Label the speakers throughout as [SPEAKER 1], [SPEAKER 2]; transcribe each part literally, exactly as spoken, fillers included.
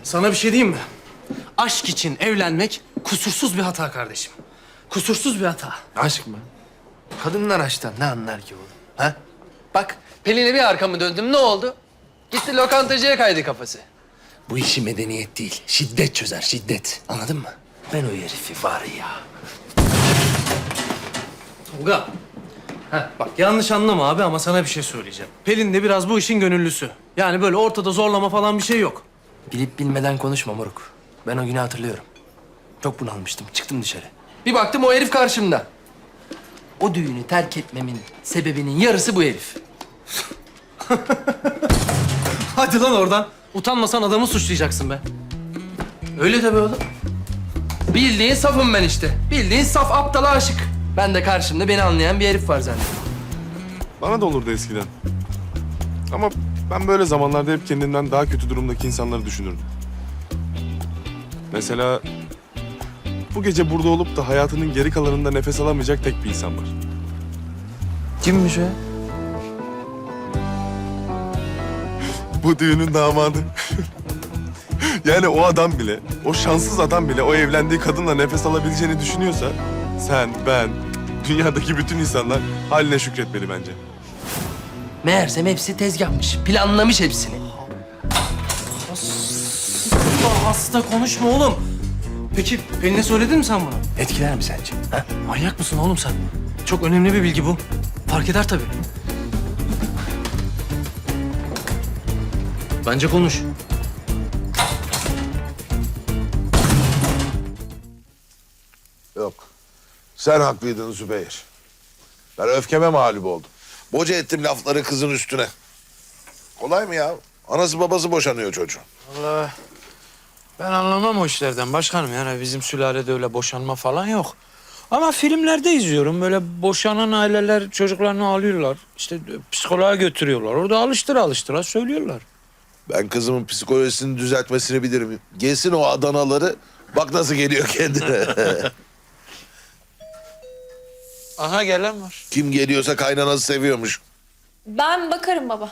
[SPEAKER 1] Sana bir şey diyeyim mi? Aşk için evlenmek kusursuz bir hata kardeşim. Kusursuz bir hata.
[SPEAKER 2] Aşk mı? Kadınlar aşktan ne anlar ki oğlum? Ha? Bak Pelin'e bir arkamı döndüm ne oldu? Gitti lokantacıya kaydı kafası. Bu işi medeniyet değil, şiddet çözer, şiddet. Anladın mı? Ben o herifi var ya.
[SPEAKER 1] Tolga. Heh, bak yanlış anlama abi ama sana bir şey söyleyeceğim. Pelin de biraz bu işin gönüllüsü. Yani böyle ortada zorlama falan bir şey yok.
[SPEAKER 2] Bilip bilmeden konuşma moruk. Ben o günü hatırlıyorum. Çok bunalmıştım, çıktım dışarı. Bir baktım o herif karşımda. O düğünü terk etmemin sebebinin yarısı bu herif.
[SPEAKER 1] Hadi lan oradan. Utanmasan adamı suçlayacaksın be.
[SPEAKER 2] Öyle tabii oğlum. Bildiğin safım ben işte. Bildiğin saf aptala aşık. Ben de karşımda beni anlayan bir herif var zannediyorum.
[SPEAKER 3] Bana da olurdu eskiden. Ama ben böyle zamanlarda hep kendimden daha kötü durumdaki insanları düşünürdüm. Mesela bu gece burada olup da hayatının geri kalanında nefes alamayacak tek bir insan var.
[SPEAKER 2] Kimmiş o ya?
[SPEAKER 3] Bu düğünün damadı. Yani o adam bile, o şanssız adam bile o evlendiği kadınla nefes alabileceğini düşünüyorsa... sen, ben, dünyadaki bütün insanlar haline şükretmeli bence.
[SPEAKER 2] Meğersem hepsi tezgahmış. Planlamış hepsini.
[SPEAKER 1] Allah hasta konuşma oğlum. Peki Pelin'e söyledin mi sen bunu?
[SPEAKER 2] Etkiler mi sence? Ha?
[SPEAKER 1] Manyak mısın oğlum sen? Çok önemli bir bilgi bu. Fark eder tabii. Bence konuş.
[SPEAKER 4] Yok. Sen haklıydın Zübeyir. Ben öfkeme mağlup oldum. Boca ettim lafları kızın üstüne. Kolay mı ya? Anası babası boşanıyor çocuğun.
[SPEAKER 5] Vallahi ben anlamam o işlerden başkanım. Yani bizim sülalede öyle boşanma falan yok. Ama filmlerde izliyorum. Böyle boşanan aileler çocuklarını alıyorlar. İşte psikoloğa götürüyorlar. Orada alıştıra alıştıra söylüyorlar.
[SPEAKER 4] Ben kızımın psikolojisini düzeltmesini bilirim. Gelsin o Adanaları, bak nasıl geliyor kendine.
[SPEAKER 5] Aha gelen var.
[SPEAKER 4] Kim geliyorsa kaynanası seviyormuş.
[SPEAKER 6] Ben bakarım baba.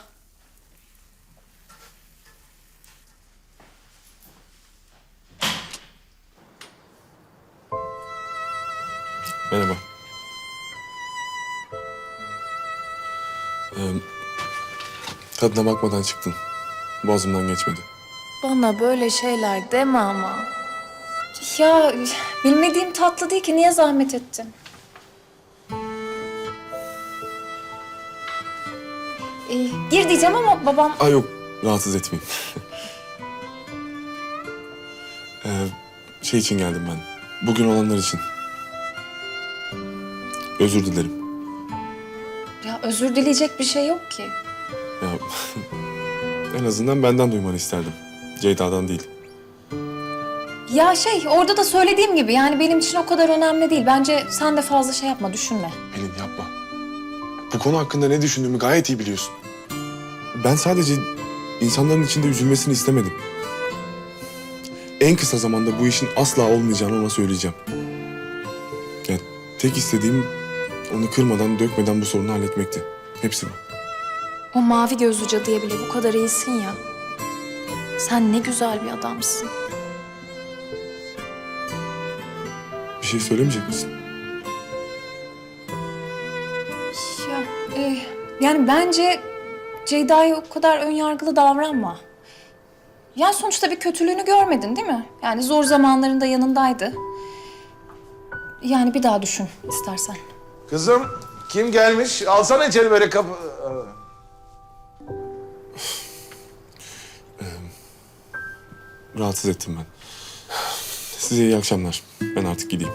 [SPEAKER 3] Merhaba. Ee, tadına bakmadan çıktın. Boğazımdan geçmedi.
[SPEAKER 6] Bana böyle şeyler deme ama. Ya bilmediğim tatlı değil ki niye zahmet ettin? Ee, gir diyeceğim ama babam...
[SPEAKER 3] Ay yok, rahatsız etmeyeyim. ee, şey için geldim ben. Bugün olanlar için. Özür dilerim.
[SPEAKER 6] Ya özür dileyecek bir şey yok ki.
[SPEAKER 3] Ya en azından benden duymanı isterdim. Ceyda'dan değil.
[SPEAKER 6] Ya şey orada da söylediğim gibi yani benim için o kadar önemli değil. Bence sen de fazla şey yapma, düşünme.
[SPEAKER 3] Pelin yapma. Bu konu hakkında ne düşündüğümü gayet iyi biliyorsun. Ben sadece insanların içinde üzülmesini istemedim. En kısa zamanda bu işin asla olmayacağını ona söyleyeceğim. Yani tek istediğim onu kırmadan, dökmeden bu sorunu halletmekti. Hepsi bu.
[SPEAKER 6] O mavi gözlü cadıya bile bu kadar iyisin ya. Sen ne güzel bir adamsın.
[SPEAKER 3] Bir şey söylemeyecek misin?
[SPEAKER 6] Ya, e, yani bence Ceyda'ya o kadar önyargılı davranma. Yani sonuçta bir kötülüğünü görmedin değil mi? Yani zor zamanlarında yanındaydı. Yani bir daha düşün istersen.
[SPEAKER 4] Kızım, kim gelmiş? Alsana içeri böyle kapı...
[SPEAKER 3] Rahatsız ettim ben. Size iyi akşamlar. Ben artık gideyim.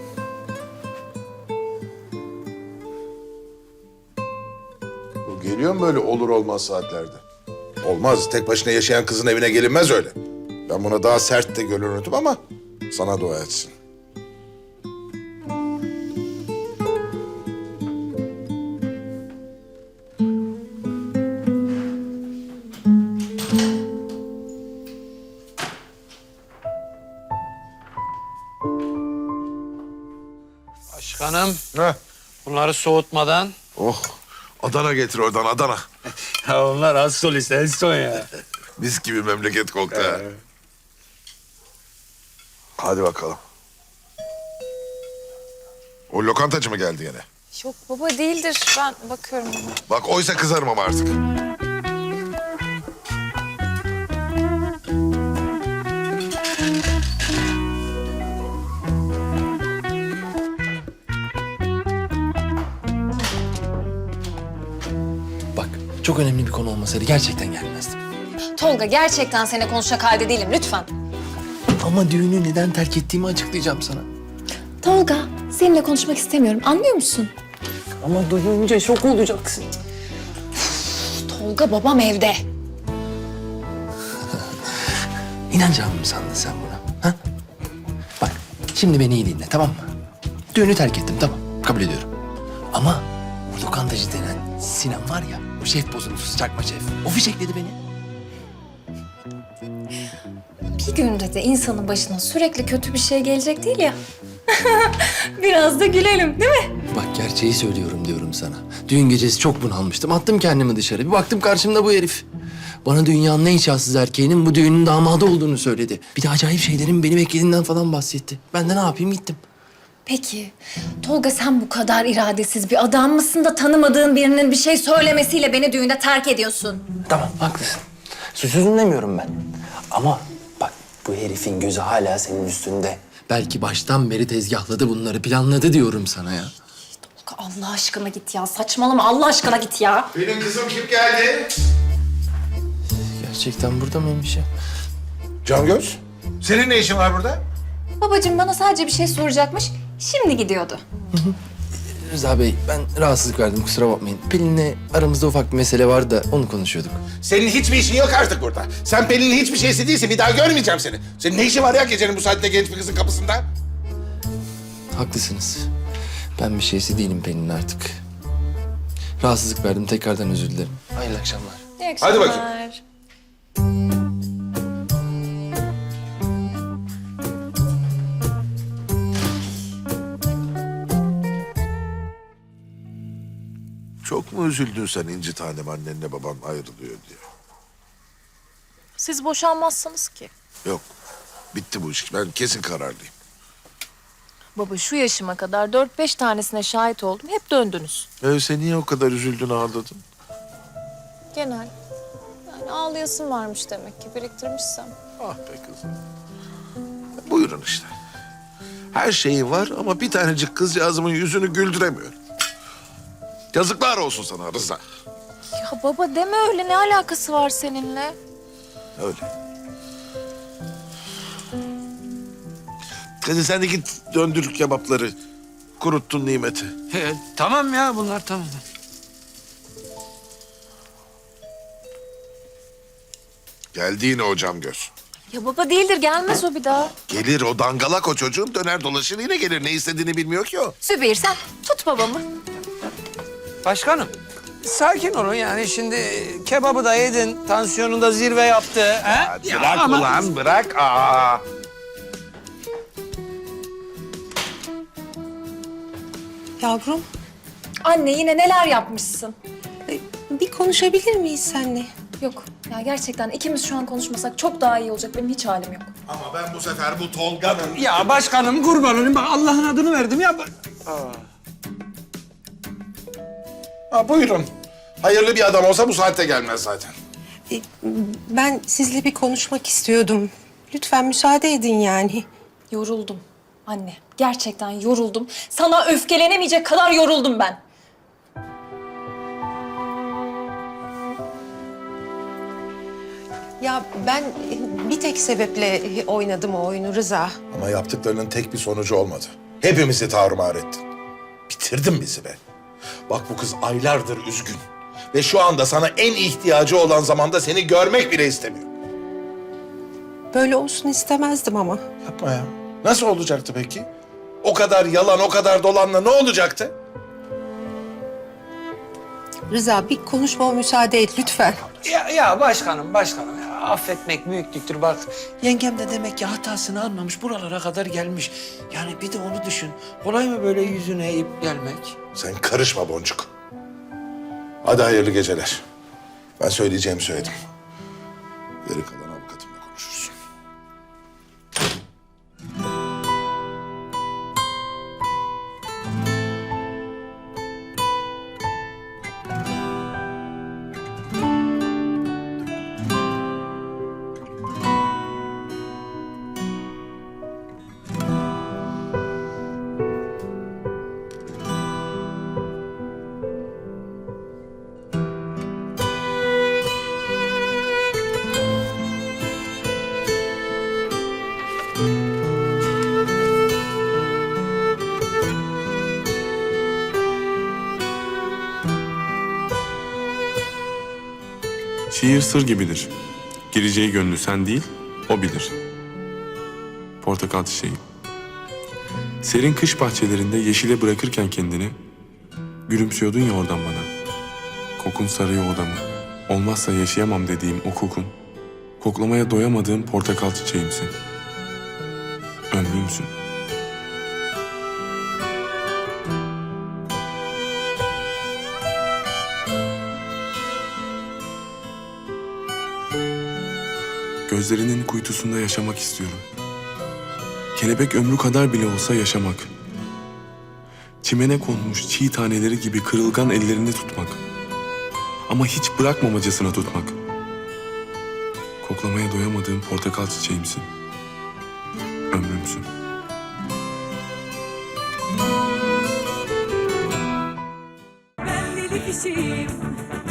[SPEAKER 4] Bu geliyor mu böyle olur olmaz saatlerde? Olmaz. Tek başına yaşayan kızın evine gelinmez öyle. Ben buna daha sert de görünürdüm ama sana dua etsin.
[SPEAKER 5] Başkanım
[SPEAKER 4] Heh.
[SPEAKER 5] bunları soğutmadan.
[SPEAKER 4] Oh, Adana getir oradan Adana.
[SPEAKER 5] Ya onlar az solist en son ya.
[SPEAKER 4] Mis gibi memleket koktu ha. Hadi bakalım. O lokantacı mı geldi yine?
[SPEAKER 6] Yok baba değildir. Ben bakıyorum ona.
[SPEAKER 4] Bak oysa kızarım ama artık.
[SPEAKER 2] Bak çok önemli bir konu olmasaydı gerçekten gelmezdim.
[SPEAKER 6] Tolga gerçekten seninle konuşacak halde değilim lütfen.
[SPEAKER 2] Ama düğünü neden terk ettiğimi açıklayacağım sana.
[SPEAKER 6] Tolga seninle konuşmak istemiyorum anlıyor musun?
[SPEAKER 2] Ama duyunca şok olacaksın.
[SPEAKER 6] Tolga babam evde.
[SPEAKER 2] İnanacağımı mı sandın sen buna? Ha? Bak şimdi beni iyi dinle tamam mı? Düğünü terk ettim tamam kabul ediyorum. Ama o lokantacı denen Sinan var ya o şef bozuntusu çakma şef. O fişekledi beni.
[SPEAKER 6] Bir günde de insanın başına sürekli kötü bir şey gelecek değil ya. Biraz da gülelim değil mi?
[SPEAKER 2] Bak gerçeği söylüyorum diyorum sana. Düğün gecesi çok bunalmıştım. Attım kendimi dışarı. Bir baktım karşımda bu herif. Bana dünyanın en şanssız erkeğinin bu düğünün damadı olduğunu söyledi. Bir de acayip şeylerin beni beklediğinden falan bahsetti. Ben de ne yapayım gittim.
[SPEAKER 6] Peki Tolga sen bu kadar iradesiz bir adam mısın da tanımadığın birinin bir şey söylemesiyle beni düğünde terk ediyorsun?
[SPEAKER 2] Tamam haklısın. Suçsuzum demiyorum ben. Ama bak bu herifin gözü hala senin üstünde. Belki baştan beri tezgahladı bunları, planladı diyorum sana ya.
[SPEAKER 6] Tolga Allah aşkına git ya saçmalama Allah aşkına git ya.
[SPEAKER 4] Benim kızım kim geldi?
[SPEAKER 2] Gerçekten burada mıymış ya?
[SPEAKER 4] Cangöz. Senin ne işin var burada?
[SPEAKER 6] Babacığım bana sadece bir şey soracakmış şimdi gidiyordu.
[SPEAKER 2] Rıza Bey, ben rahatsızlık verdim kusura bakmayın. Pelin'le aramızda ufak bir mesele vardı da onu konuşuyorduk.
[SPEAKER 7] Senin hiçbir işin yok artık burada. Sen Pelin'in hiçbir şeysi değilsin. Bir daha görmeyeceğim seni. Senin ne işin var ya gecenin bu saatte genç bir kızın kapısında?
[SPEAKER 2] Haklısınız. Ben bir şeysi değilim Pelin'in artık. Rahatsızlık verdim, tekrardan özür dilerim. Hayırlı akşamlar.
[SPEAKER 6] İyi
[SPEAKER 7] Hadi bakayım.
[SPEAKER 6] akşamlar.
[SPEAKER 4] Çok mu üzüldün sen İnci tanem annenle baban ayrılıyor diye?
[SPEAKER 8] Siz boşanmazsınız ki.
[SPEAKER 4] Yok. Bitti bu iş. Ben kesin kararlıyım.
[SPEAKER 8] Baba şu yaşıma kadar dört beş tanesine şahit oldum. Hep döndünüz.
[SPEAKER 4] Öyleyse niye o kadar üzüldün ağladın?
[SPEAKER 8] Genel. Yani ağlayasın varmış demek ki biriktirmişsem.
[SPEAKER 4] Ah be kızım. Buyurun işte. Her şeyi var ama bir tanecik kızcağızımın yüzünü güldüremiyor. Yazıklar olsun sana Rıza.
[SPEAKER 8] Ya baba deme öyle. Ne alakası var seninle?
[SPEAKER 4] Öyle. Hadi sen de git döndür kebapları. Kuruttun nimeti.
[SPEAKER 5] He, tamam ya bunlar tamam.
[SPEAKER 4] Geldi yine o Camgöz.
[SPEAKER 8] Ya baba değildir. Gelmez o bir daha.
[SPEAKER 4] Gelir o dangalak o çocuğun döner dolaşır yine gelir. Ne istediğini bilmiyor ki o.
[SPEAKER 8] Zübeyir sen tut babamı.
[SPEAKER 5] Başkanım, sakin olun yani şimdi kebabı da yedin, tansiyonun da zirve yaptı. He?
[SPEAKER 7] Hadi
[SPEAKER 5] Ya
[SPEAKER 7] bırak
[SPEAKER 5] ama-
[SPEAKER 7] ulan bırak. Aa.
[SPEAKER 9] Yavrum,
[SPEAKER 6] Anne yine neler yapmışsın?
[SPEAKER 9] e, bir konuşabilir miyiz seninle?
[SPEAKER 6] Yok ya gerçekten ikimiz şu an konuşmasak çok daha iyi olacak benim hiç halim yok.
[SPEAKER 7] Ama ben bu sefer bu Tolga'nın...
[SPEAKER 5] Ya başkanım kurban olayım bak Allah'ın adını verdim ya.
[SPEAKER 7] Ha, buyurun. Hayırlı bir adam olsa bu saatte gelmez zaten.
[SPEAKER 9] E, ben sizle bir konuşmak istiyordum. Lütfen müsaade edin yani.
[SPEAKER 6] Yoruldum anne gerçekten yoruldum. Sana öfkelenemeyecek kadar yoruldum ben.
[SPEAKER 9] Ya ben e, bir tek sebeple e, oynadım o oyunu Rıza.
[SPEAKER 7] Ama yaptıklarının tek bir sonucu olmadı. Hepimizi tarumar ettin. Bitirdin bizi be. Bak bu kız aylardır üzgün. Ve şu anda sana en ihtiyacı olan zamanda seni görmek bile istemiyor.
[SPEAKER 9] Böyle olsun istemezdim ama.
[SPEAKER 7] Yapma ya. Nasıl olacaktı peki? O kadar yalan, o kadar dolanla ne olacaktı?
[SPEAKER 9] Rıza bir konuşmama müsaade et lütfen.
[SPEAKER 5] Ya, ya başkanım, başkanım ya affetmek büyüklüktür bak. Yengem de demek ki hatasını anlamış, buralara kadar gelmiş. Yani bir de onu düşün. Kolay mı böyle yüzüne eğip gelmek?
[SPEAKER 7] Sen karışma Boncuk. Hadi hayırlı geceler. Ben söyleyeceğimi söyledim. Geri kalan avukatımla konuşursun.
[SPEAKER 3] Şiir sır gibidir. Gireceği gönlü sen değil, o bilir. Portakal çiçeği. Serin kış bahçelerinde yeşile bırakırken kendini, gülümsüyordun ya oradan bana. Kokun sarıyor odamı. Olmazsa yaşayamam dediğim o kokun, koklamaya doyamadığım portakal çiçeğimsin. Ömrümsün. Gözlerinin kuytusunda yaşamak istiyorum. Kelebek ömrü kadar bile olsa yaşamak. Çimene konmuş çiğ taneleri gibi kırılgan ellerini tutmak. Ama hiç bırakmamacasına tutmak. Koklamaya doyamadığım portakal çiçeğimsin. Ömrümsün.
[SPEAKER 10] Ben deli kişiyim,